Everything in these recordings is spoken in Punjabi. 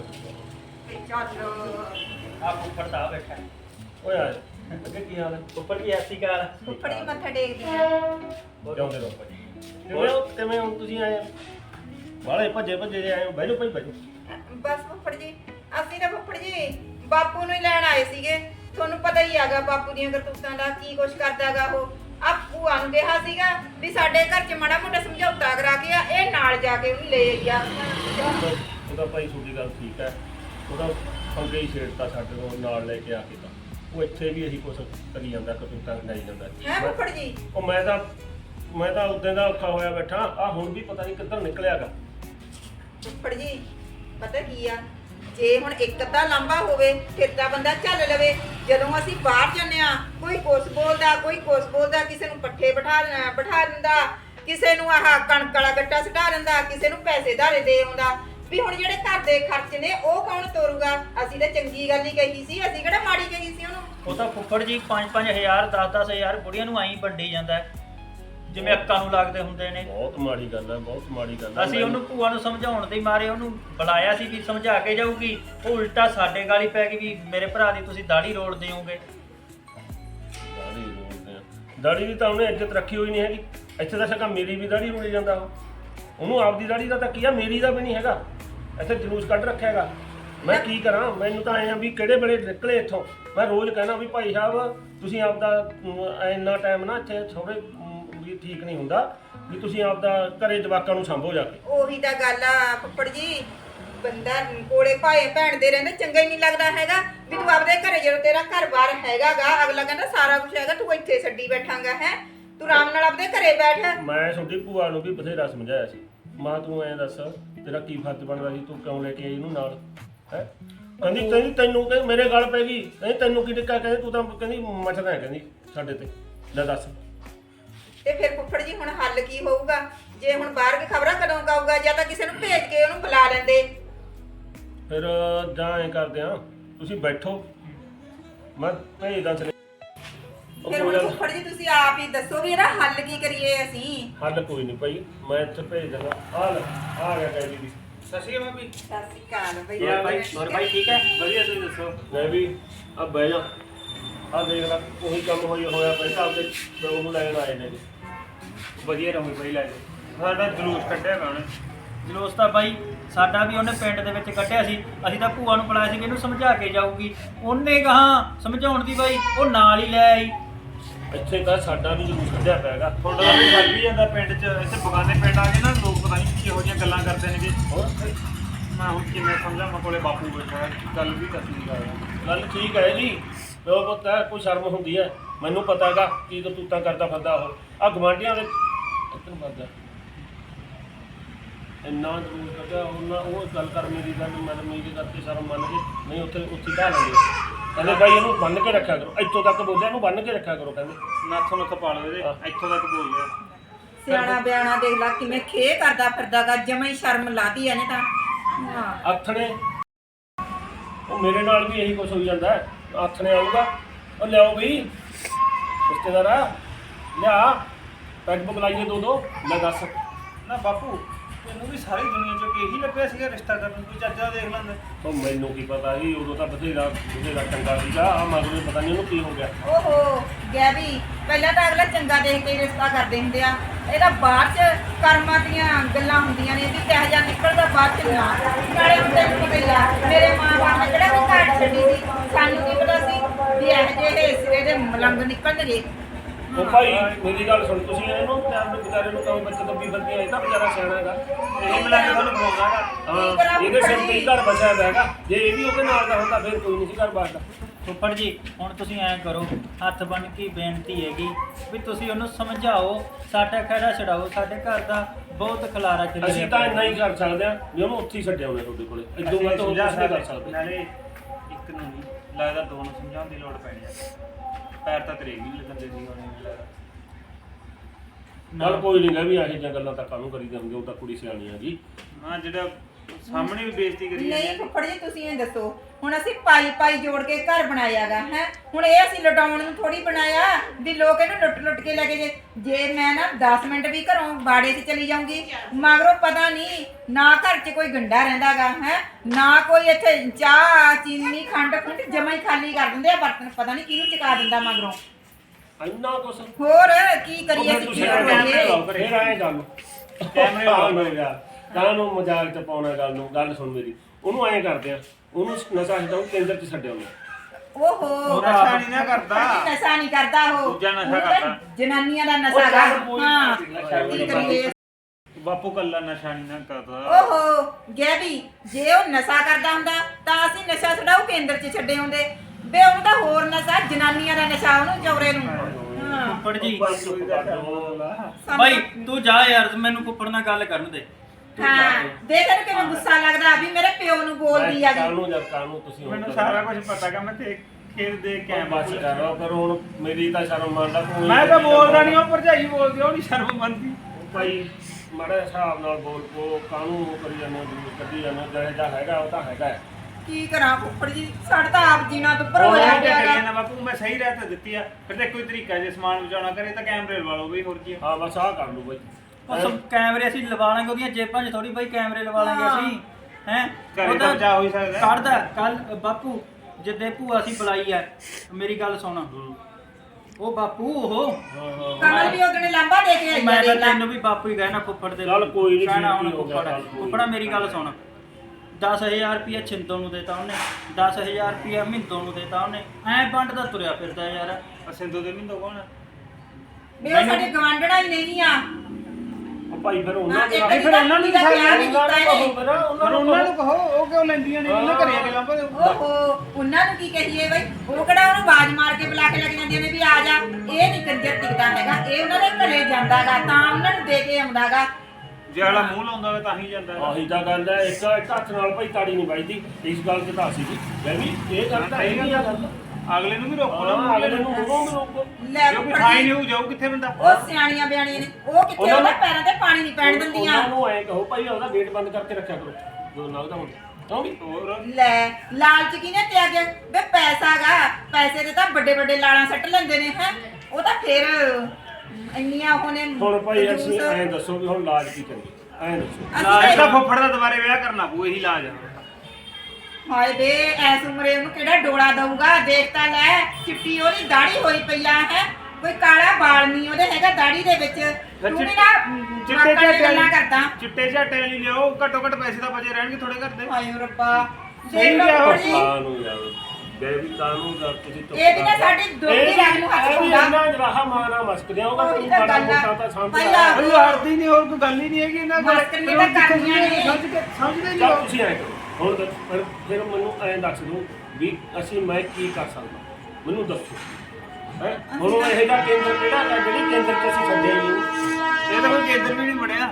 ਚੱਲ ਆ ਫੁੱਫੜ ਦਾ ਬੈਠਾ ਓਏ ਆ ਅੱਗੇ ਕੀ ਹਾਲ ਹੈ? ਫੁੱਫੜ ਜੀ ਐਸੀ ਗੱਲ ਫੁੱਫੜ ਜੀ ਮੱਥਾ ਟੇਕਦੀ ਆ। ਜਿਉਂਦੇ ਰਹੋ ਭਾਜੀ। ਕਿਵੇਂ ਹੋ ਤੁਸੀਂ ਆਏ? ਬਾਹਲੇ ਭੱਜੇ ਜਿਹੇ ਆਏ ਹੋ। ਬਹਿ ਜਾਓ ਭਾਈ ਬਹਿ ਜਾਓ। ਬਸ ਫੁੱਫੜ ਜੀ ਅਸੀਂ ਤਾਂ ਫੁੱਫੜ ਜੀ ਬਾਪੂ ਨੂੰ ਹੀ ਲੈਣ ਆਏ ਸੀਗੇ। ਤੁਹਾਨੂੰ ਪਤਾ ਹੀ ਹੈਗਾ ਬਾਪੂ ਦੀਆਂ ਕਰਤੂਤਾਂ ਦਾ, ਕੀ ਕੁਛ ਕਰਦਾਗਾ ਉਹ। ਆ ਭੂਆ ਨੂੰ ਕਿਹਾ ਸੀਗਾ ਵੀ ਸਾਡੇ ਘਰ 'ਚ ਮਾੜਾ ਮੋਟਾ ਸਮਝੌਤਾ ਕਰਾ ਕੇ ਆ, ਇਹ ਨਾਲ ਜਾ ਕੇ ਉਹਨੂੰ ਲੈ ਆਈ ਆ। ਉਹਦਾ ਭਾਈ ਤੁਹਾਡੀ ਗੱਲ ਠੀਕ ਹੈ। ਉਹਦਾ ਪੰਗੇ ਹੀ ਛੇੜਤਾ ਸਾਡੇ ਨੂੰ ਨਾਲ ਲੈ ਕੇ ਆ ਕੇ ਤਾਂ ਉਹ ਇੱਥੇ ਵੀ ਇਹੀ ਕੁਛ ਕਰੀ ਜਾਂਦਾ, ਕਰਤੂਤਾਂ ਕਢਾਈ ਜਾਂਦਾ ਹੈ ਫੁੱਫੜ ਜੀ। ਉਹ ਮੈਂ ਤਾਂ ਉਦੋਂ ਦਾ ਔਖਾ ਹੋਇਆ ਬੈਠਾ ਆ। ਹੁਣ ਵੀ ਪਤਾ ਨਹੀਂ ਕਿੱਧਰ ਨਿਕਲਿਆਗਾ। ਫੁੱਫੜ ਜੀ ਪਤਾ ਕੀ ਆ, ਜੇ ਹੁਣ ਇੱਕ ਅੱਧਾ ਲਾਂਭਾ ਹੋਵੇ ਫਿਰ ਤਾਂ ਬੰਦਾ ਚੱਲ ਲਵੇ। ਜਦੋਂ ਅਸੀਂ ਬਾਹਰ ਜਾਂਦੇ ਆ ਕੋਈ ਕੁਛ ਬੋਲਦਾ, ਕੋਈ ਕੁਛ ਬੋਲਦਾ, ਕਿਸੇ ਨੂੰ ਪੱਠੇ ਬਿਠਾ ਦਿੰਦਾ, ਕਿਸੇ ਨੂੰ ਆਹ ਕਣਕ ਵਾਲਾ ਗੱਟਾ ਸੁਟਾ ਦਿੰਦਾ, ਕਿਸੇ ਨੂੰ ਪੈਸੇ ਧਾਰੇ ਦੇ ਆਉਂਦਾ। ਵੀ ਹੁਣ ਜਿਹੜੇ ਘਰ ਦੇ ਖਰਚ ਨੇ ਉਹ ਕੌਣ ਤੋਰੂਗਾ? ਅਸੀਂ ਤਾਂ ਚੰਗੀ ਗੱਲ ਹੀ ਕਹੀ ਸੀ, ਅਸੀਂ ਕਿਹੜਾ ਮਾੜੀ ਕਹੀ ਸੀ ਉਹਨੂੰ। ਉਹ ਤਾਂ ਫੁੱਫੜ ਜੀ 5-5000 10-10 ਬੁੜੀਆਂ ਨੂੰ ਆਈ ਵੰਡੀ ਜਾਂਦਾ ਹੈ, ਜਿਵੇਂ ਅੱਕਾਂ ਨੂੰ ਲੱਗਦੇ ਹੁੰਦੇ ਨੇ। ਬਹੁਤ ਮਾੜੀ ਗੱਲ ਹੈ, ਬਹੁਤ ਮਾੜੀ ਗੱਲ ਹੈ। ਅਸੀਂ ਉਹਨੂੰ ਭੂਆ ਨੂੰ ਸਮਝਾਉਣ ਦੇ ਮਾਰੇ ਉਹਨੂੰ ਬੁਲਾਇਆ ਸੀ ਵੀ ਸਮਝਾ ਕੇ ਜਾਊਗੀ, ਉਹ ਉਲਟਾ ਸਾਡੇ ਗਾਲੀ ਪੈ ਗਈ ਵੀ ਮੇਰੇ ਭਰਾ ਦੀ ਤੁਸੀਂ ਦਾੜੀ ਰੋੜ ਦਿਓਗੇ। ਦਾੜੀ ਰੋਲਦੇ ਆ। ਦਾੜੀ ਦੀ ਤਾਂ ਉਹਨੇ ਇੱਜ਼ਤ ਰੱਖੀ ਹੋਈ ਨਹੀਂ ਹੈਗੀ। ਇੱਥੇ ਤਾਂ ਸ਼ੱਕਾ ਮੇਰੀ ਵੀ ਦਾੜੀ ਰੋਲੀ ਜਾਂਦਾ ਉਹਨੂੰ ਆਪਦੀ ਦਾੜੀ ਦਾ ਤਾਂ ਕੀ ਆ, ਮੇਰੀ ਦਾ ਵੀ ਨਹੀਂ ਹੈਗਾ। ਇੱਥੇ ਜਲੂਸ ਕੱਢ ਰੱਖਿਆ ਹੈਗਾ। ਮੈਂ ਕੀ ਕਰਾਂ? ਮੈਨੂੰ ਤਾਂ ਆਏ ਆ ਵੀ ਕਿਹੜੇ ਵੇਲੇ ਨਿਕਲੇ ਇੱਥੋਂ। ਮੈਂ ਰੋਜ਼ ਕਹਿਣਾ ਵੀ ਭਾਈ ਸਾਹਿਬ ਤੁਸੀਂ ਆਪਦਾ ਇੰਨਾ ਟਾਈਮ ਨਾ ਇੱਥੇ ਥੋੜੇ ਵੀ ਠੀਕ ਨਹੀਂ ਹੁੰਦਾ, ਵੀ ਤੁਸੀਂ ਆਪਦਾ ਘਰੇ ਜਵਾਕਾਂ ਨੂੰ ਸੰਭੋ ਜਾ ਕੇ। ਉਹੀ ਤਾਂ ਗੱਲ ਆ ਫੁੱਫੜ ਜੀ, ਬੰਦਾ ਕੋਲੇ ਭਾਏ ਭੈਣ ਦੇ ਰਹਿੰਦੇ ਚੰਗਾ ਹੀ ਨਹੀਂ ਲੱਗਦਾ ਹੈਗਾ ਵੀ ਤੂੰ ਆਪਦੇ ਘਰੇ ਜਦੋਂ ਤੇਰਾ ਘਰ-ਬਾਰ ਹੈਗਾਗਾ, ਅਗਲਾ ਕਹਿੰਦਾ ਸਾਰਾ ਕੁਝ ਹੈਗਾ, ਤੂੰ ਇੱਥੇ ਛੱਡੀ ਬੈਠਾਂਗਾ। ਹੈ ਤੂੰ ਆਰਾਮ ਨਾਲ ਆਪਦੇ ਘਰੇ ਬੈਠ। ਮੈਂ ਤੁਹਾਡੀ ਭੂਆ ਨੂੰ ਵੀ ਬਥੇਰਾ ਸਮਝਾਇਆ ਸੀ, ਮਾਂ ਤੂੰ ਐਂ ਦੱਸ ਤੇਰਾ ਕੀ ਫਰਜ਼ ਬਣਦਾ ਸੀ, ਤੂੰ ਕਿਉਂ ਲੈ ਕੇ ਆਈ ਇਹਨੂੰ ਨਾਲ? ਹੈ ਕਹਿੰਦੀ ਤੈਨੂੰ ਕਹਿੰਦੀ ਮੇਰੇ ਗੱਲ ਪੈ ਗਈ, ਕਹਿੰਦੀ ਤੈਨੂੰ ਕੀ ਟਿੱਕਾ, ਕਹਿੰਦੀ ਤੂੰ ਤਾਂ ਕਹਿੰਦੀ ਮੱਛਦਾ ਹੈ ਕਹਿੰਦੀ ਸਾਡੇ ਤੇ। ਲੈ ਦੱਸ। ਤੇ ਫਿਰ ਫੁੱਫੜ ਜੀ ਹੁਣ ਹੱਲ ਕੀ ਹੋਊਗਾ? ਜੇ ਹੁਣ ਬਾਹਰ ਕੀ ਖਬਰਾਂ ਕਦੋਂ ਕਾਊਗਾ, ਜਾਂ ਤਾਂ ਕਿਸੇ ਨੂੰ ਭੇਜ ਕੇ ਉਹਨੂੰ ਬੁਲਾ ਲੈਂਦੇ। ਫਿਰ ਜਾਂ ਐਂ ਕਰਦੇ ਆ, ਤੁਸੀਂ ਬੈਠੋ ਮੈਂ ਭੇਜਦਾ ਚਲੇ। ਫਿਰ ਹੁਣ ਫੁੱਫੜ ਜੀ ਤੁਸੀਂ ਆਪ ਹੀ ਦੱਸੋ ਵੀ ਇਹਦਾ ਹੱਲ ਕੀ ਕਰੀਏ ਅਸੀਂ? ਹੱਲ ਕੋਈ ਨਹੀਂ ਭਾਈ, ਮੈਂ ਇੱਥੇ ਭੇਜ ਦਿੰਦਾ। ਆ ਗਿਆ ਕਹਿ ਦੀ। ਸਤਿ ਸ਼੍ਰੀ ਅਕਾਲ ਭਾਬੀ। ਸਤਿ ਸ਼੍ਰੀ ਅਕਾਲ ਬਈ। ਹੋਰ ਭਾਈ ਠੀਕ ਹੈ? ਵਧੀਆ, ਤੁਸੀਂ ਦੱਸੋ। ਮੈਂ ਵੀ ਆ ਬਹਿ ਜਾ। ਆ ਦੇਖ ਲੈ ਉਹੀ ਕੰਮ ਹੋਇਆ ਪੈਸਾ ਆਪਦੇ ਉਹਨੂੰ ਲੈਣ ਆਏ ਨੇ। ਵਧੀਆ ਰਹੂੰ ਭਾਈ ਲੈ ਜਾਓ। ਸਾਡਾ ਜਲੂਸ ਕੱਢਿਆ ਗਾ ਉਹਨੇ। ਜਲੂਸ ਤਾਂ ਭਾਈ ਸਾਡਾ ਵੀ ਉਹਨੇ ਪਿੰਡ ਦੇ ਵਿੱਚ ਕੱਢਿਆ ਸੀ। ਅਸੀਂ ਤਾਂ ਭੂਆ ਨੂੰ ਬੁਲਾਇਆ ਸੀ ਕਿ ਇਹਨੂੰ ਸਮਝਾ ਕੇ ਜਾਊਗੀ। ਉਹਨੇ ਕਹਾ ਸਮਝਾਉਣ ਦੀ ਭਾਈ ਉਹ ਨਾਲ ਹੀ ਲੈ ਆਈ। ਇੱਥੇ ਤਾਂ ਸਾਡਾ ਵੀ ਜਲੂਸ ਕੱਢਿਆ ਪਿਆਗਾ। ਤੁਹਾਡਾ ਵੀ ਚੱਲ ਵੀ ਜਾਂਦਾ ਪਿੰਡ 'ਚ। ਇੱਥੇ ਬਗਾਨੇ ਪਿੰਡ ਆ ਕੇ ਨਾ ਲੋਕ ਪਤਾ ਨਹੀਂ ਕਿਹੋ ਜਿਹੀਆਂ ਗੱਲਾਂ ਕਰਦੇ ਨੇਗੇ। ਹੋਰ ਮੈਂ ਹੁਣ ਕਿਵੇਂ ਸਮਝਾਂ? ਮੈਂ ਕੋਲੇ ਬਾਪੂ ਬੈਠਾ ਹੈ, ਗੱਲ ਵੀ ਕਰਨੀ ਗੱਲ ਠੀਕ ਹੈ ਜੀ। ਪਿਓ ਪੁੱਤ ਹੈ, ਕੋਈ ਸ਼ਰਮ ਹੁੰਦੀ ਹੈ। ਮੈਨੂੰ ਪਤਾ ਹੈਗਾ ਕੀ ਕਰਤੂਤਾਂ ਕਰਦਾ ਫਿਰਦਾ ਉਹ। ਆ ਗਵਾਂਢੀਆਂ ਦੇ ਕਿੱਧਰ ਮਰਦਾ ਇੰਨਾ ਜ਼ਰੂਰ ਕਰਦਾ ਉਹਨਾਂ। ਉਹ ਗੱਲ ਕਰ ਮੇਰੀ ਗੱਲ ਮੇਰੀ ਕਰਕੇ ਸ਼ਰਮ ਮੰਨ ਕੇ ਨਹੀਂ ਉੱਥੇ ਢਾਹ ਲੈਂਦੇ। ਕਹਿੰਦੇ ਭਾਈ ਇਹਨੂੰ ਬੰਨ੍ਹ ਕੇ ਰੱਖਿਆ ਕਰੋ। ਇੱਥੋਂ ਤੱਕ ਬੋਲਿਆ ਇਹਨੂੰ ਬੰਨ੍ਹ ਕੇ ਰੱਖਿਆ ਕਰੋ। ਕਹਿੰਦੇ ਨੱਥ ਨੁੱਥ ਪਾ ਲਓ ਇਹਦੇ, ਇੱਥੋਂ ਤੱਕ ਬੋਲ ਗਿਆ। ਸਿਆਣਾ ਬਿਆਣਾ ਦੇਖ ਲਾ ਕਿਵੇਂ ਖੇ ਕਰਦਾ ਫਿਰਦਾਗਾ, ਜਮਾਂ ਹੀ ਸ਼ਰਮ ਲਾਤੀ ਇਹਨੇ ਤਾਂ। ਹਾਂ ਆਥਣੇ ਉਹ ਮੇਰੇ ਨਾਲ ਵੀ ਇਹੀ ਕੁਝ ਹੋਈ ਜਾਂਦਾ ਹੈ। ਆਥਣੇ ਆਊਗਾ ਉਹ ਲਿਆਓ ਬਈ ਰਿਸ਼ਤੇਦਾਰਾ ਲਿਆ ਪੈਗ ਬੁੱਕ ਲਾਈਏ ਦੋ ਲੈ ਦੱਸ। ਨਾ ਬਾਪੂ ਤੈਨੂੰ ਵੀ ਸਾਰੀ ਦੁਨੀਆ 'ਚੋਂ ਇਹੀ ਲੱਭਿਆ ਸੀਗਾ ਰਿਸ਼ਤਾ ਕਰਨ ਨੂੰ? ਕੋਈ ਚੱਜਾ ਦੇਖ ਲੈਂਦਾ। ਉਹ ਮੈਨੂੰ ਕੀ ਪਤਾ ਸੀ, ਉਦੋਂ ਤਾਂ ਬਥੇਰਾ ਚੰਗਾ ਸੀਗਾ। ਆ ਮਗਰੋਂ ਪਤਾ ਨਹੀਂ ਉਹਨੂੰ ਕੀ ਹੋ ਗਿਆ। ਓਹੋ ਗੈਬੀ, ਪਹਿਲਾਂ ਤਾਂ ਅਗਲਾ ਚੰਗਾ ਦੇਖ ਕੇ ਰਿਸ਼ਤਾ ਕਰਦੇ ਹੁੰਦੇ ਆ। ਇਹਦਾ ਬਾਅਦ ਚ ਕਰਮਾਂ ਦੀਆਂ ਗੱਲਾਂ ਹੁੰਦੀਆਂ ਨੇ ਵੀ ਕਿਹੋ ਜਿਹਾ ਨਿਕਲਦਾ ਬਾਅਦ ਚ ਨਾ। ਨਾਲੇ ਹੁਣ ਤੈਨੂੰ ਪਤਾ ਹੀ ਆ ਮੇਰੇ ਮਾਂ-ਬਾਪ ਨੇ ਕਿਹੜਾ ਵੀ ਘਾਟ ਛੱਡੀ ਸੀ। ਸਾਨੂੰ ਕੀ ਪਤਾ ਸੀ ਵੀ ਇਹੋ ਜਿਹੇ ਇਹਦੇ ਮਲੰਗ ਨਿਕਲਣਗੇ। ਉਹ ਭਾਈ ਮੇਰੀ ਗੱਲ ਸੁਣ, ਤੁਸੀਂ ਇਹਨੂੰ ਆਪਣੇ ਵਿਚਾਰੇ ਨੂੰ ਕਹੋ ਬੱਚੇ ਤੋਂ ਵੀ ਬੰਦੀ ਆਈ ਤਾਂ ਵਿਚਾਰਾ ਸਿਆਣਾ ਹੈਗਾ। ਇਹ ਮਿਲਾ ਕੇ ਤੁਹਾਨੂੰ ਬੋਲਦਾ ਹੈਗਾ। ਹਾਂ ਇਹਦੇ ਸਿਰ ਤੇ ਹੀ ਘਰ ਬਚਿਆ ਹੋਇਆ ਹੈਗਾ। ਜੇ ਇਹ ਵੀ ਉਹਦੇ ਨਾਲ ਦਾ ਹੁੰਦਾ ਫਿਰ ਕੋਈ ਨਹੀਂ ਸੀ ਘਰ ਬਚਦਾ। ਫੁੱਫੜ ਜੀ ਹੁਣ ਤੁਸੀਂ ਐਂ ਕਰੋ, ਹੱਥ ਬੰਨ੍ਹ ਕੇ ਬੇਨਤੀ ਹੈਗੀ ਵੀ ਤੁਸੀਂ ਉਹਨੂੰ ਸਮਝਾਓ, ਸਾਡਾ ਖਹਿੜਾ ਛਡਾਓ। ਸਾਡੇ ਘਰ ਦਾ ਬਹੁਤ ਖਲਾਰਾ ਚੱਲਿਆ। ਅਸੀਂ ਤਾਂ ਇੰਨਾ ਹੀ ਕਰ ਸਕਦੇ ਹਾਂ ਵੀ ਉਹਨੂੰ ਉੱਥੇ ਹੀ ਛੱਡਿਆ ਹੋਣਾ ਤੁਹਾਡੇ ਕੋਲੇ। ਇਦੋਂ ਵੱਧ ਹੋਰ ਕੁਛ ਨਹੀਂ ਕਰ ਸਕਦੇ। ਨਾਲੇ ਇੱਕ ਨੂੰ ਨਹੀਂ ਲੱਗਦਾ, ਦੋ ਨੂੰ ਸਮਝਾਉਣ ਦੀ ਲੋੜ ਪੈਣੀ ਹੈ। ਪੈਰ ਤਾਂ ਤੇਰੇ ਵੀ ਲੱਗਣ ਦੇ ਸੀ ਉਹਨੇ। ਨਾਲ ਕੋਈ ਨਹੀਂ ਗਾ ਵੀ ਇਹੋ ਜਿਹੀਆਂ ਗੱਲਾਂ ਤਾਂ ਕਾਹਨੂੰ ਕਰੀ ਜਾਂਦੇ। ਉਹ ਤਾਂ ਕੁੜੀ ਸਿਆਣੀ ਆ ਜੀ। ਹਾਂ ਜਿਹੜਾ ਸਾਹਮਣੇ ਵੀ ਬੇਇੱਜ਼ਤੀ ਕਰੀ ਨਹੀਂ ਜਾਂਦੇ ਆ। ਫੁੱਫੜ ਜੀ ਤੁਸੀਂ ਇਹ ਦੱਸੋ ਹੁਣ ਅਸੀਂ ਪਾਈ ਜੋੜ ਕੇ ਘਰ ਬਣਾਇਆਗਾ ਹੈ ਹੁਣ ਇਹ ਅਸੀਂ ਲੁਟਾਉਣ ਨੂੰ ਥੋੜੀ ਬਣਾਇਆ ਵੀ ਲੋਕ ਇਹਨੂੰ ਲੁੱਟ ਕੇ ਲੈ ਕੇ ਜੇ ਮੈਂ ਨਾ 10 ਮਿੰਟ ਵੀ ਘਰੋਂ ਬਾੜੇ 'ਚ ਚਲੀ ਜਾਊਂਗੀ ਮਗਰੋਂ ਪਤਾ ਨਹੀਂ ਨਾ ਘਰ 'ਚ ਕੋਈ ਗੰਡਾ ਰਹਿੰਦਾਗਾ ਹੈ ਨਾ ਕੋਈ ਇੱਥੇ ਚਾਹ ਚੀਨੀ ਖੰਡ ਜਮਾ ਹੀ ਖਾਲੀ ਕਰ ਦਿੰਦੇ ਆ ਬਰਤਨ ਪਤਾ ਨਹੀਂ ਕਿਹਨੂੰ ਚੁਕਾ ਦਿੰਦਾ ਮਗਰੋਂ ਇੰਨਾ ਕੁਛ ਹੋਰ ਕੀ ਕਰੀਏ ਅਸੀਂ ਕੀ ਕੈਮਰੇ ਕਰੀਏ ਲਾਓ ਫਿਰ ਆਏ ਗੱਲ ਕੈਮਰੇ ਲਾਓ ਹੋ ਗਿਆ ਕਾਹਨੂੰ ਮਜ਼ਾਕ ਚ ਪਾਉਣਾ ਗੱਲ ਸੁਣ ਮੇਰੀ ਉਹਨੂੰ ਐਂ ਕਰਦੇ ਆ ਉਹਨੂੰ ਨਸ਼ਾ ਛਡਾਉਂ ਕੇਂਦਰ ਚ ਛੱਡਿਆ ਉਹਨੇ ਓਹੋ ਉਹ ਨਸ਼ਾ ਨਹੀਂ ਨਾ ਕਰਦਾ ਨਸ਼ਾ ਨਹੀਂ ਕਰਦਾ ਉਹ ਦੂਜਾ ਨਸ਼ਾ ਉਹਨੂੰ ਤਾਂ ਕਰਦਾ। ਜਨਾਨੀਆਂ ਦਾ ਨਸ਼ਾ ਗਾ ਹਾਂ ਕੀ ਕਰੀਏ ਬਾਪੂ ਕੱਲਾ ਨਸ਼ਾ ਨਹੀਂ ਨਾ ਕਰਦਾ ਓਹੋ ਗੈਬੀ ਜੇ ਉਹ ਨਸ਼ਾ ਕਰਦਾ ਹੁੰਦਾ ਤਾਂ ਅਸੀਂ ਨਸ਼ਾ ਛਡਾਊ ਕੇਂਦਰ 'ਚ ਛੱਡੇ ਹੁੰਦੇ ਬੇ ਉਹਨੂੰ ਤਾਂ ਹੋਰ ਨਸ਼ਾ ਜਨਾਨੀਆਂ ਦਾ ਨਸ਼ਾ ਉਹਨੂੰ ਚੌਰੇ ਨੂੰ ਹਾਂ ਫੁੱਫੜ ਜੀ ਸਾਨੂੰ- ਬਾਈ ਤੂੰ ਜਾ ਯਾਰ ਮੈਨੂੰ ਫੁੱਫੜ ਨਾਲ ਗੱਲ ਕਰਨ ਦੇ ਤੂੰ ਜਾ ਹਾਂ ਕੇ। ਦੇਖ ਇਹਨੂੰ ਕਿਵੇਂ ਗੁੱਸਾ ਲੱਗਦਾ ਵੀ ਮੇਰੇ ਪਿਓ ਨੂੰ ਬੋਲਦੀ ਆ ਕਾਹਨੂੰ ਤੁਸੀਂ ਹੁਣ ਮੈਨੂੰ ਸਾਰਾ ਕੁਝ ਪਤਾ ਕਿ ਮੈਂ ਤੇ ਖੇਤ ਦੇ ਕੇ ਆਇਆ ਬਸ ਕਰੋ ਪਰ ਹੁਣ ਮੇਰੀ ਤਾਂ ਸ਼ਰਮ ਮੰਨਦਾ ਤੂੰ ਮੈਂ ਤਾਂ ਬੋਲਦਾ ਨਹੀਂ ਉਹ ਭਰਜਾਈ ਬੋਲਦੀ ਉਹ ਨਹੀਂ ਸ਼ਰਮ ਮੰਨਦੀ ਭਾਈ ਮਾੜਾ ਹਿਸਾਬ ਨਾਲ ਬੋਲ ਕੋ ਕਾਹਨੂੰ ਕਰੀ ਜਾਂਦੇ ਜੂਸ ਕੱਢੀ ਜਾਂਦੇ ਜਿਹੜਾ ਜਿਹਾ ਹੈਗਾ ਉਹ ਤਾਂ ਹੈਗਾ ਹੈ। ਕੀ ਕਰਾਂ ਫੁੱਫੜ ਜੀ ਸਾਡਾ ਤਾਂ ਆਪ ਜੀਣਾ ਦੁੱਪਰ ਹੋਇਆ ਪਿਆ ਗਾ। ਨਾ ਬਾਪੂ ਮੈਂ ਸਹੀ ਰਹਿ ਤਾਂ ਦਿੱਤੀ ਆ ਫਿਰ ਤੇ ਕੋਈ ਤਰੀਕਾ ਜੇ ਸਮਾਨ ਬਚਾਉਣਾ ਕਰੇ ਤਾਂ ਕੈਮਰੇ ਲਵਾ ਲਓ ਬਈ ਹੋਰ ਕੀ ਆ। ਹਾਂ ਬਸ ਆਹ ਕਰ ਲੂ ਬਾਈ ਉਹ ਸਭ ਕੈਮਰੇ ਅਸੀਂ ਲਵਾ ਲਾਂਗੇ ਉਹਦੀਆਂ ਜੇਬਾਂ 'ਚ ਥੋੜੀ ਬਈ ਕੈਮਰੇ ਲਵਾ ਲਾਂਗੇ ਅਸੀਂ ਹੈ ਘਰੇ ਤਾਂ ਬਚਾ ਹੋ ਹੀ ਸਕਦਾ। ਕੱਢਦਾ ਕੱਲ ਬਾਪੂ ਜਿੱਦੇ ਭੂਆ ਅਸੀਂ ਬੁਲਾਈ ਆ ਮੇਰੀ ਗੱਲ ਸੁਣ ਉਹ ਬਾਪੂ ਉਹ ਕਮਲ ਵੀ ਉਹਨੇ ਲਾਂਬਾ ਦੇ ਕੇ ਆਈ ਮੈਂ ਆ ਤਾਂ ਦੇਖ ਲਾ ਤੈਨੂੰ ਵੀ ਬਾਪੂ ਹੀ ਕਹਿਣਾ ਫੁੱਫੜ ਦੇ ਚੱਲ ਕੋਈ ਨੀ, ਕਹਿਣਾ ਠੀਕ ਹੀ ਹੁਣ ਹੋ ਗਿਆ, ਫੁੱਫੜ ਚੱਲ ਕੋਈ ਫੁੱਫੜਾ ਮੇਰੀ ਗੱਲ ਸੁਣ 10000 ਰੁਪਇਆ ਛਿੰਦੋ ਨੂੰ ਦੇਤਾ ਉਹਨੇ 10000 ਰੁਪਇਆ ਮਿੰਦੋ ਨੂੰ ਦੇਤਾ ਉਹਨੇ ਐ ਵੰਡ ਦਾ ਤੁਰਿਆ ਫਿਰਦਾ ਯਾਰ ਸਿੰਧੂ ਦੇ ਮਿੰਦੋ ਕੌਣ ਆ? ਵੀ ਉਹ ਸਾਡੇ ਗਵਾਂਢਣਾ ਹੀ ਨਹੀਂ ਆ ਉਹ ਭਾਈ ਫਿਰ ਹਾਂ, ਉਹਨਾਂ ਇੱਕ ਨੂੰ ਫਿਰ ਉਹਨਾਂ ਨੂੰ ਦਾ ਵਿਆਹ ਵੀ ਉਹਨਾਂ ਕੀਤਾ ਨੂੰ ਇਹਨੇ। ਕਹੋ ਫਿਰ ਪਰ ਉਹਨਾਂ ਨੂੰ ਕਹੋ ਉਹ ਕਿਉਂ ਲੈਂਦੀਆਂ ਨੇ ਉਹਨਾਂ ਘਰੇ ਆ ਕੇ ਲਾਂਬਾ ਓਹੋ ਉਹਨਾਂ ਨੂੰ ਕੀ ਕਹੀਏ ਬਈ ਉਹ ਕਿਹੜਾ ਉਹਨੂੰ ਆਵਾਜ਼ ਮਾਰ ਕੇ ਬੁਲਾ ਕੇ ਲੱਗ ਜਾਂਦੀਆਂ ਨੇ ਵੀ ਆ ਜਾ ਇਹ ਨਹੀਂ ਕੰਜਰ ਟਿਕਦਾ ਹੈਗਾ ਇਹ ਉਹਨਾਂ ਦੇ ਘਰੇ ਜਾਂਦਾਗਾ ਤਾਂ ਉਹਨਾਂ ਨੂੰ ਦੇ ਕੇ ਆਉਂਦਾਗਾ ਜੇ ਵਾਲਾ ਮੂੰਹ ਲਾਉਂਦਾ ਵੇ ਤਾਂ ਹੀ ਜਾਂਦਾ ਹੈ। ਆਹੀ ਤਾਂ ਗੱਲ ਹੈ ਇੱਕ ਹੱਥ ਨਾਲ ਭਾਈ ਤਾੜੀ ਨਹੀਂ ਵੱਜਦੀ ਇਸ ਗੱਲ ਤੇ ਤਾਂ ਸੀ ਮੈਂ ਵੀ ਇਹ ਗੱਲ ਤਾਂ ਹੈਗੀ ਆ ਗੱਲ ਅਗਲੇ ਨੂੰ ਵੀ ਰੋਕੋ ਨਾ ਹਾਂ, ਅਗਲੇ ਨੂੰ ਮੂੰਹੋਂ ਵੀ ਰੋਕੋ ਲੈ ਜੋ ਕੋਈ ਫੁੱਫੜ ਥਾਈ ਜੀ, ਨਹੀਂ ਹੋ ਜਾਊ ਕਿੱਥੇ ਬੰਦਾ ਉਹ ਸਿਆਣੀਆਂ ਬਿਆਣੀਆਂ ਨੇ ਉਹ ਕਿੱਥੇ ਉਹਨਾਂ ਉਹਨਾਂ ਨੂੰ- ਪੈਰਾਂ ਤੇ ਪਾਣੀ ਨਹੀਂ ਪੈਣ ਦਿੰਦੀਆਂ ਉਹਨਾਂ ਨੂੰ ਐਂ ਕਹੋ ਭਾਈ ਉਹਦਾ ਗੇਟ ਬੰਦ ਕਰਕੇ ਰੱਖਿਆ ਕਰੋ ਜੋ ਲੱਗਦਾ ਹੁਣ ਕਿਉਂ ਵੀ ਹੋਰ ਲੈ ਲਾਲਚ ਕਿਹਨੇ ਤਿਆਗਿਆ ਵੇ ਪੈਸਾਗਾ ਪੈਸੇ ਦੇ ਤਾਂ ਵੱਡੇ ਵੱਡੇ ਲਾਲਾਂ ਸੱਟ ਲੈਂਦੇ ਨੇ ਹੈ ਉਹ ਤਾਂ ਫਿਰ ਇੰਨੀਆਂ ਉਹਨੇ ਹੁਣ ਭਾਈ ਅਸੀਂ ਜੂਸ- ਐਂ ਦੱਸੋ ਵੀ ਹੁਣ ਇਲਾਜ ਕੀ ਕਰੀਏ ਐਂ ਦੱਸੋ ਅਸੀਂ ਲਾਜ ਦਾ ਤਾਂ- ਫੁੱਫੜ ਦਾ ਦੁਬਾਰੇ ਵਿਆਹ ਕਰਨਾ ਪਊ ਇਹੀ ਲਾਜ ਆ ਹਾਏ ਬੇ ਐਸ ਉਮਰੇ ਉਹਨੂੰ ਕਿਹੜਾ ਡੋਲਾ ਦਊਗਾ ਦੇਖ ਤਾਂ ਲੈ ਚਿੱਟੀ ਉਹਦੀ ਦਾੜੀ ਹੋਈ ਪਈਆ ਹੈ ਕੋਈ ਕਾਲਾ ਬਾਲ ਨਹੀਂ ਉਹਦੇ ਹੈਗਾ ਦਾੜੀ ਦੇ ਵਿੱਚ ਤੂੰ ਵੀ ਨਾ ਚਿੱਟੇ ਚਿੱਟੇ ਝਾਟੇ ਗੱਲਾਂ ਕਰਦਾ ਚਿੱਟੇ ਝਾਟੇ ਨਹੀਂ ਲਿਆਓ ਘੱਟੋ ਘੱਟ ਪੈਸੇ ਤਾਂ ਬਚੇ ਰਹਿਣਗੇ ਥੋੜੇ ਘਰ ਦੇ ਹਾਏ ਰੱਬਾ ਸਹੀ ਦੇਖ ਲਓ ਕਿਹਾ ਫੁੱਫੜ ਜੀ, ਕਾਨੂੰ ਯਾਰ ਗਏ ਵੀ ਕਾਨੂੰ ਦਾ ਤੁਸੀਂ ਇਹ ਵੀ ਨਾ ਸਾਡੀ ਦੋਹਰੀ ਰੰਗ ਨੂੰ ਹੱਥ ਪਾਉਂਦਾ। ਇੰਨਾ ਜਰਾਹਾ ਮਾਨਾ ਮਸਕ ਦਿਆਂਗਾ ਉਹੀ ਤੂੰ ਤਾਂ ਬੜਾ ਗੱਲ ਆ। ਮੋਟਾ ਤਾਂ ਸਮਝ ਭਾਈ ਲੈ ਆ- ਬਈ ਹੜਦੀ ਨਹੀਂ ਹੋਰ ਕੋਈ ਗੱਲ ਹੀ ਨਹੀਂ ਹੈਗੀ ਇਹਨਾਂ ਮਸਕਰੀਆਂ ਤਾਂ ਕਰਨੀਆਂ ਨੇ। ਸਮਝਦੇ ਨਹੀਂ ਚੱਲ ਹੋ ਤੁਸੀਂ ਐਂ ਕਰੋ ਹੁਣ ਫਿਰ ਮੈਨੂੰ ਐਂ ਦੱਸ ਦਿਓ ਵੀ ਅਸੀਂ ਮੈਂ ਕੀ ਕਰ ਸਕਦਾ ਮੈਨੂੰ ਦੱਸੋ ਹੈ ਹੁਣ ਉਹ ਇਹ ਜਿਹਾ ਕੇਂਦਰ ਕਿਹੜਾ ਹੈ ਜਿਹੜੀ ਕੇਂਦਰ ਚ ਅਸੀਂ ਛੱਡੇ ਨਹੀਂ ਇਹ ਤਾਂ ਕੋਈ ਕੇਂਦਰ ਵੀ ਨਹੀਂ ਬਣਿਆ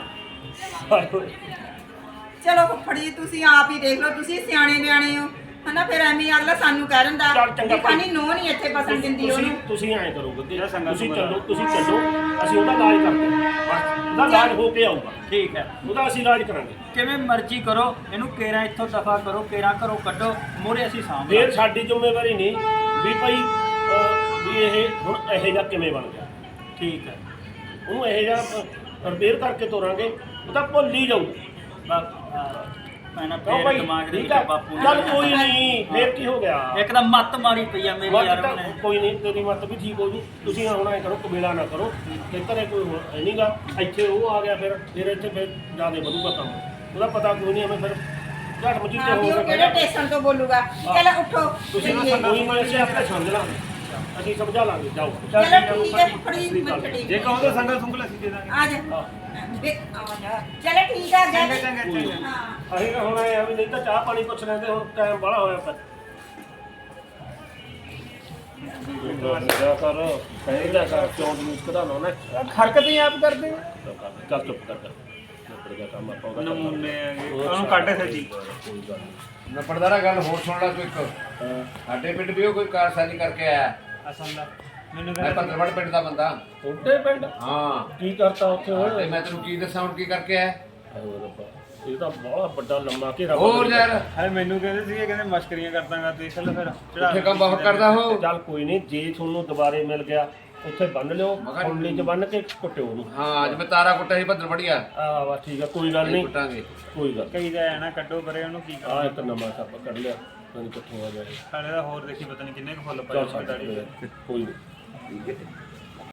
ਚਲੋ ਫੁੱਫੜ ਜੀ ਤੁਸੀਂ ਆਪ ਹੀ ਦੇਖ ਲਓ ਤੁਸੀਂ ਸਿਆਣੇ ਬਿਆਣੇ ਹੋ ਹਨਾ ਫਿਰ ਐਵੇਂ ਅਗਲਾ ਸਾਨੂੰ ਕਹਿ ਦਿੰਦਾ ਚੱਲ ਚੰਗਾ ਵੀ ਖਾਨੀ ਨੋ ਨਹੀਂ ਇੱਥੇ ਬਸਣ ਦਿੰਦੀ ਉਹਨੂੰ ਤੁਸੀਂ ਐਂ ਕਰੋ ਗੱਗੇ ਜਿਹੜਾ ਸੰਗਤ ਤੁਸੀਂ ਨੂੰ ਚੱਲੋ ਅਸੀਂ ਉਹਦਾ ਇਲਾਜ ਕਰਦੇ ਹਾਂ ਬਸ ਉਹਦਾ ਇਲਾਜ ਹੋ ਕੇ ਆਊਗਾ ਠੀਕ ਹੈ ਉਹਦਾ ਅਸੀਂ ਇਲਾਜ ਕਰਾਂਗੇ ਕਿਵੇਂ ਮਰਜ਼ੀ ਕਰੋ ਇਹਨੂੰ ਕੇਰਾਂ ਇੱਥੋਂ ਦਫਾ ਕਰੋ ਕੇਰਾਂ ਘਰੋਂ ਕੱਢੋ ਮੋਰੇ ਅਸੀਂ ਸਾਂਭ ਫਿਰ ਸਾਡੀ ਜ਼ਿੰਮੇਵਾਰੀ ਨਹੀਂ ਵੀ ਭਾਈ ਵੀ ਇਹ ਹੁਣ ਇਹੋ ਜਿਹਾ ਕਿਵੇਂ ਬਣ ਗਿਆ ਠੀਕ ਹੈ ਉਹਨੂੰ ਇਹੋ ਜਿਹਾ ਰਿਪੇਅਰ ਕਰਕੇ ਤੋਰਾਂਗੇ ਉਹ ਤਾਂ ਭੁੱਲ ਹੀ ਜਾਊਗਾ ਮੈਂ ਨਾ ਕਿਉਂ ਫੇਰ ਭਾਈ ਦਿਮਾਗ ਦੇ ਠੀਕ ਵਿੱਚ ਆ ਬਾਪੂ ਚੱਲ ਕੋਈ ਨਹੀਂ ਫੇਰ ਕੀ ਹੋ ਗਿਆ ਇੱਕਦਮ ਮੱਤ ਮਾਰੀ ਪਈ ਆ ਮੇਰੀ ਮੱਤ ਯਾਰ ਤਾਂ ਉਹਨੇ ਕੋਈ ਨਹੀਂ ਤੇਰੀ ਮੱਤ ਵੀ ਠੀਕ ਹੋ ਜੂ ਤੁਸੀਂ ਹੁਣ ਐ ਕਰੋ ਕਬੀਲਾ ਨਾ ਕਰੋ ਤੇ ਘਰੇ ਕੋਈ ਨਹੀਂਗਾ ਇੱਥੇ ਉਹ ਆ ਗਿਆ ਫਿਰ ਇੱਥੇ ਫਿਰ ਜਿਆਦਾ ਵਧੂਗਾ ਕੰਮ ਉਹਦਾ ਪਤਾ ਕੋਈ ਨਹੀਂ ਐਵੇਂ ਫਿਰ ਝਟ ਮਚੀਤੇ ਹਾਂ ਵੀ ਹੋ ਉਹ ਕਿਹੜੇ ਟੇਸ਼ਨ ਤੋਂ ਬੋਲੂਗਾ ਚਲ ਉੱਠੋ ਤੁਸੀਂ ਨਾ ਚੱਲੀਏ। ਕੋਈ ਮੈਂ ਇਸੇ ਆਪਣੇ ਸਮਝ ਲਾਂਗੇ ਅਸੀਂ ਸਮਝਾ ਲਾਂਗੇ ਜਾਓ ਚਲੋ ਠੀਕ ਹੈ ਫੁੱਫੜ ਜੀ ਮੈਂ ਛੱਡੀ ਜੇ ਕਹੋ ਤਾਂ ਸੰਗਲ ਸੁੰਗਲ ਅਸੀਂ ਦੇ ਦਾਂਗੇ ਆ ਜਾ ਵੇ ਆ ਜਾ ਚਲੋ ਠੀਕ ਆ ਚੰਗਾ ਗਿਆ ਚੰਗਾ ਚੰਗਾ ਹਾਂ ਅਸੀਂ ਤਾਂ ਹੁਣ ਆਏ ਆ ਵੀ ਨਹੀਂ ਤਾਂ ਚਾਹ ਪਾਣੀ ਪੁੱਛ ਲੈਂਦੇ ਹੁਣ ਟਾਈਮ ਬੜਾ ਹੋਇਆ ਪਿਆ ਜਾ ਕਰ ਕਹਿੰਦਾ ਕਰ ਕਿਉਂ ਨਿਊਜ਼ ਕਢਾਉਣਾ ਨਾ ਹਰਕਤ ਹੀ ਆਪ ਕਰਦੇ ਹੋ ਚੱਲ ਚੁੱਪ ਕਰ ਨਿਪੜ ਗਿਆ ਕੰਮ ਆਪਾਂ ਉਹਦਾ ਨਮੂਨੇ ਹੈਗੇ ਉਹਨੂੰ ਕੱਢ ਸੱਜੀ ਕੋਈ ਗੱਲ ਨਹੀਂ ਨਪੜਦਾਰਾ ਗੱਲ ਹੋਰ ਸੁਣ ਲੈ ਤੂੰ ਇੱਕ ਸਾਡੇ ਪਿੰਡ ਵੀ ਉਹ ਕੋਈ ਕਾਰਸਾਨੀ ਕਰਕੇ ਆਇਆ ਅਸਲ ਦਾ ਮੈਨੂੰ ਮੈਂ ਕਹਿੰਦਾ ਪੰਦਰਵੜ ਪਿੰਡ ਦਾ ਬੰਦਾ ਛੋਟੇ ਪਿੰਡ ਹਾਂ ਕੀ ਕਰਤਾ ਉੱਥੇ ਤੇ ਮੈਂ ਤੈਨੂੰ ਕੀ ਦੱਸਾਂ ਹੁਣ ਕੀ ਕਰਕੇ ਆਇਆ ਹਾਏ ਰੱਬਾ, ਇਹ ਤਾਂ ਬਹੁਤ ਵੱਡਾ ਲੰਮਾ ਘੇਰਾ ਹੋਰ ਯਾਰ ਹਾਏ ਮੈਨੂੰ ਕਹਿੰਦੇ ਸੀਗੇ ਕਹਿੰਦੇ ਮਸ਼ਕਰੀਆਂ ਕਰਦਾਂਗਾ ਦੇਖ ਲੈ ਫਿਰ ਉੱਥੇ ਕੰਮ ਬਹੁਤ ਕਰਦਾ ਹੋ। ਚੱਲ ਕੋਈ ਨਹੀਂ, ਜੇ ਤੁਹਾਨੂੰ ਦੁਬਾਰੇ ਮਿਲ ਗਿਆ ਉੱਥੇ ਬੰਨ ਲਿਓ, ਮਗਰ- ਖੁੰਡਲੀ 'ਚ ਬੰਨ ਕੇ ਕੁੱਟਿਓ ਉਹਨੂੰ। ਹਾਂ ਅੱਜ ਮੈਂ ਤਾਰਾ ਕੁੱਟਿਆ ਸੀ ਭੱਦਰ ਬੜੀਆ ਆ ਵਾ ਠੀਕ ਆ, ਕੋਈ ਗੱਲ ਨਹੀਂ, ਕੁੱਟਾਂਗੇ। ਕੋਈ ਗੱਲ। ਕਈ ਦਾ ਨਾ ਕੱਢੋ ਪਰੇ ਉਹਨੂੰ ਕੀ ਆ ਕਰਾਂ ਇੱਕ ਨਵਾਂ ਸੱਪ ਕੱਢ ਲਿਆ, ਪਤਾ ਨਹੀਂ ਕਿੱਥੋਂ ਆ ਗਿਆ ਇਹ। ਹਾਲੇ ਦਾ ਹੋਰ ਦੇਖੀ ਪਤਾ ਨਹੀਂ ਕਿੰਨੇ ਕੁ ਫੁੱਲ ਪਏ ਚੱਲ ਹੋਏ ਦਾੜੀ ਛੱਡ, ਕੋਈ ਨਹੀਂ।